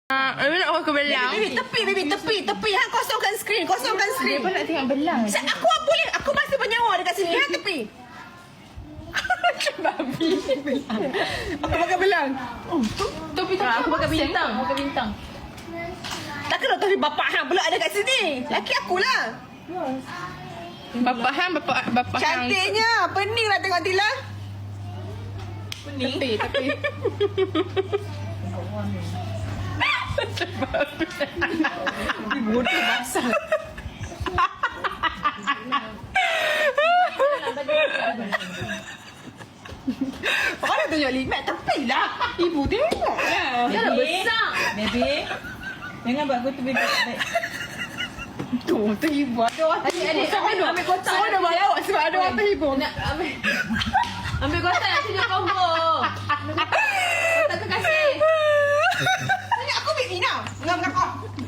Aku nak ke belang. Baby, tepi. Ha, kosongkan skrin. Dia pun nak tengok belang. Aku boleh. Aku masih bernyawa dekat sini. Ha, tepi. Macam babi. Aku pakai belang. Topi aku pakai bintang. Tak kena tapi bapak hang pula ada kat sini. Laki akulah. Bapak hang. Cantiknya. Pening lah tengok Tila. Tepi. Bodoh basah. Orang tunjuk limat tepi lah. Ibu tengok lah. Dia dah besar. Baby, jangan buat aku tu baby. Tu ibu ada orang Adik, ambil kotak. Semua dah bawa lawak sebab ada orang terhibur. Nak ambil kotak nak tunjuk combo. Kotak terkasih. Tanya aku ambil Ina. Enggak.